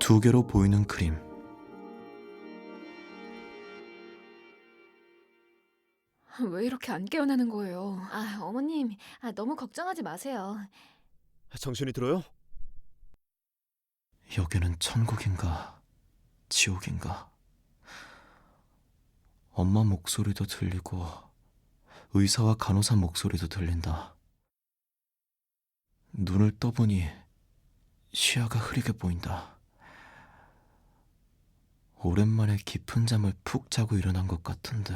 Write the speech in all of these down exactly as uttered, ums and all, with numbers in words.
두 개로 보이는 그림. 왜 이렇게 안 깨어나는 거예요? 아, 어머님, 아, 너무 걱정하지 마세요. 정신이 들어요? 여기는 천국인가 지옥인가. 엄마 목소리도 들리고 의사와 간호사 목소리도 들린다. 눈을 떠보니 시야가 흐리게 보인다. 오랜만에 깊은 잠을 푹 자고 일어난 것 같은데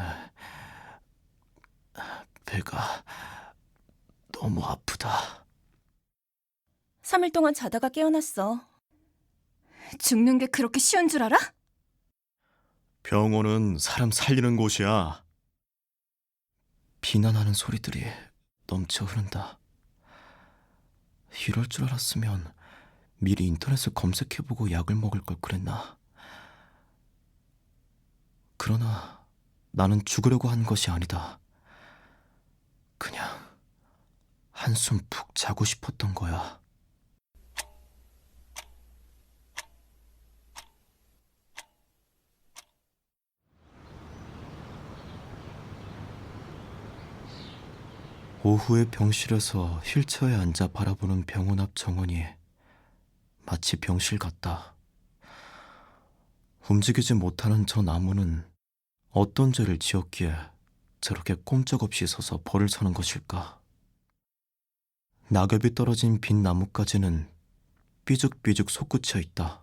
배가 너무 아프다. 삼 일 동안 자다가 깨어났어. 죽는 게 그렇게 쉬운 줄 알아? 병원은 사람 살리는 곳이야. 비난하는 소리들이 넘쳐 흐른다. 이럴 줄 알았으면 미리 인터넷을 검색해보고 약을 먹을 걸 그랬나. 그러나 나는 죽으려고 한 것이 아니다. 그냥 한숨 푹 자고 싶었던 거야. 오후에 병실에서 휠체어에 앉아 바라보는 병원 앞 정원이 마치 병실 같다. 움직이지 못하는 저 나무는 어떤 죄를 지었기에 저렇게 꼼짝없이 서서 벌을 서는 것일까? 낙엽이 떨어진 빈 나뭇가지는 삐죽삐죽 솟구쳐 있다.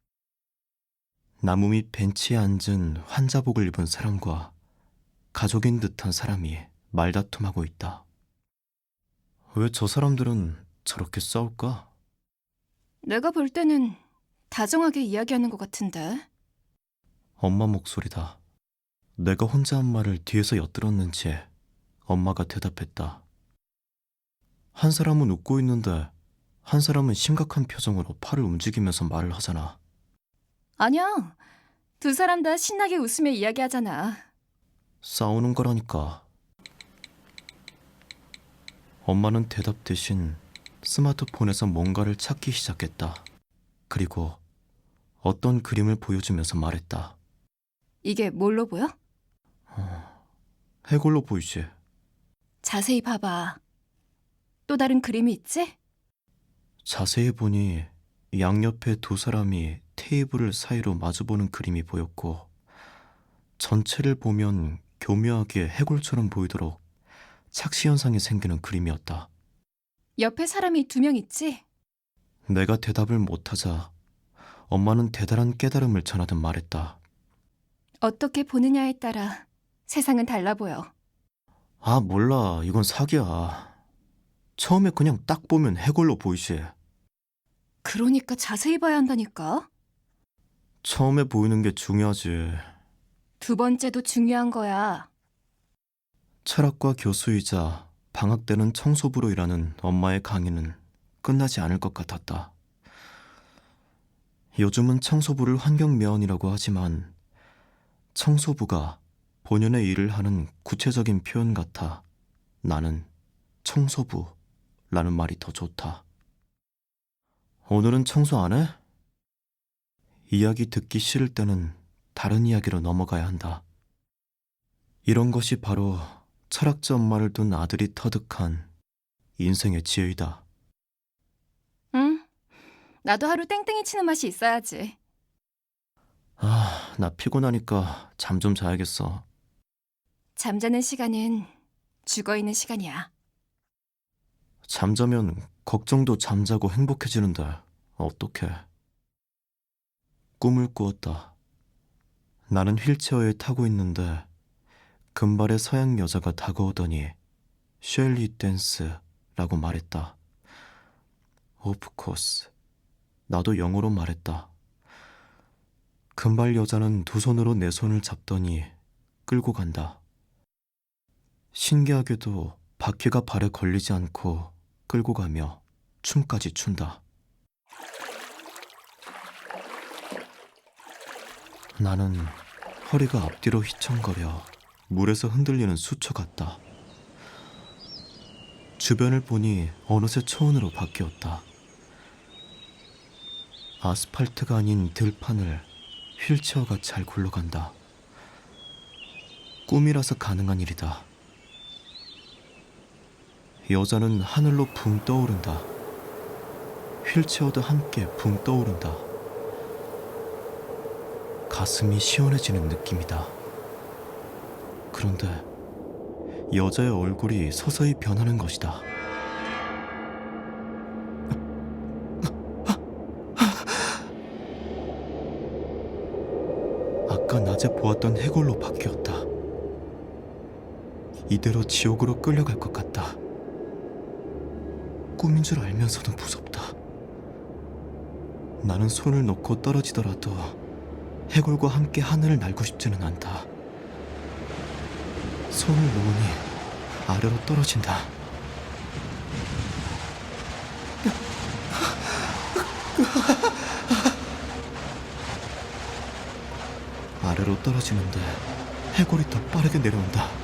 나무 밑 벤치에 앉은 환자복을 입은 사람과 가족인 듯한 사람이 말다툼하고 있다. 왜 저 사람들은 저렇게 싸울까? 내가 볼 때는 다정하게 이야기하는 것 같은데. 엄마 목소리다. 내가 혼자 한 말을 뒤에서 엿들었는지 엄마가 대답했다. 한 사람은 웃고 있는데 한 사람은 심각한 표정으로 팔을 움직이면서 말을 하잖아. 아니야. 두 사람 다 신나게 웃으며 이야기하잖아. 싸우는 거라니까. 엄마는 대답 대신 스마트폰에서 뭔가를 찾기 시작했다. 그리고 어떤 그림을 보여주면서 말했다. 이게 뭘로 보여? 어, 해골로 보이지? 자세히 봐봐. 또 다른 그림이 있지? 자세히 보니 양옆에 두 사람이 테이블을 사이로 마주보는 그림이 보였고 전체를 보면 교묘하게 해골처럼 보이도록 착시 현상이 생기는 그림이었다. 옆에 사람이 두 명 있지? 내가 대답을 못하자 엄마는 대단한 깨달음을 전하듯 말했다. 어떻게 보느냐에 따라 세상은 달라 보여. 아, 몰라. 이건 사기야. 처음에 그냥 딱 보면 해골로 보이지. 그러니까 자세히 봐야 한다니까. 처음에 보이는 게 중요하지. 두 번째도 중요한 거야. 철학과 교수이자 방학 때는 청소부로 일하는 엄마의 강의는 끝나지 않을 것 같았다. 요즘은 청소부를 환경미화원이라고 하지만 청소부가 본연의 일을 하는 구체적인 표현 같아 나는 청소부라는 말이 더 좋다. 오늘은 청소 안 해? 이야기 듣기 싫을 때는 다른 이야기로 넘어가야 한다. 이런 것이 바로 철학자 엄마를 둔 아들이 터득한 인생의 지혜이다. 응? 나도 하루 땡땡이 치는 맛이 있어야지. 아, 나 피곤하니까 잠 좀 자야겠어. 잠자는 시간은 죽어있는 시간이야. 잠자면 걱정도 잠자고 행복해지는데 어떡해. 꿈을 꾸었다. 나는 휠체어에 타고 있는데 금발의 서양 여자가 다가오더니 쉘리 댄스라고 말했다. 오프 코스. 나도 영어로 말했다. 금발 여자는 두 손으로 내 손을 잡더니 끌고 간다. 신기하게도 바퀴가 발에 걸리지 않고 끌고 가며 춤까지 춘다. 나는 허리가 앞뒤로 휘청거려 물에서 흔들리는 수초 같다. 주변을 보니 어느새 초원으로 바뀌었다. 아스팔트가 아닌 들판을 휠체어가 잘 굴러간다. 꿈이라서 가능한 일이다. 여자는 하늘로 붕 떠오른다. 휠체어도 함께 붕 떠오른다. 가슴이 시원해지는 느낌이다. 그런데 여자의 얼굴이 서서히 변하는 것이다. 아까 낮에 보았던 해골로 바뀌었다. 이대로 지옥으로 끌려갈 것 같다. 꿈인 줄 알면서도 무섭다. 나는 손을 놓고 떨어지더라도 해골과 함께 하늘을 날고 싶지는 않다. 손을 놓으니 아래로 떨어진다. 아래로 떨어지는데 해골이 더 빠르게 내려온다.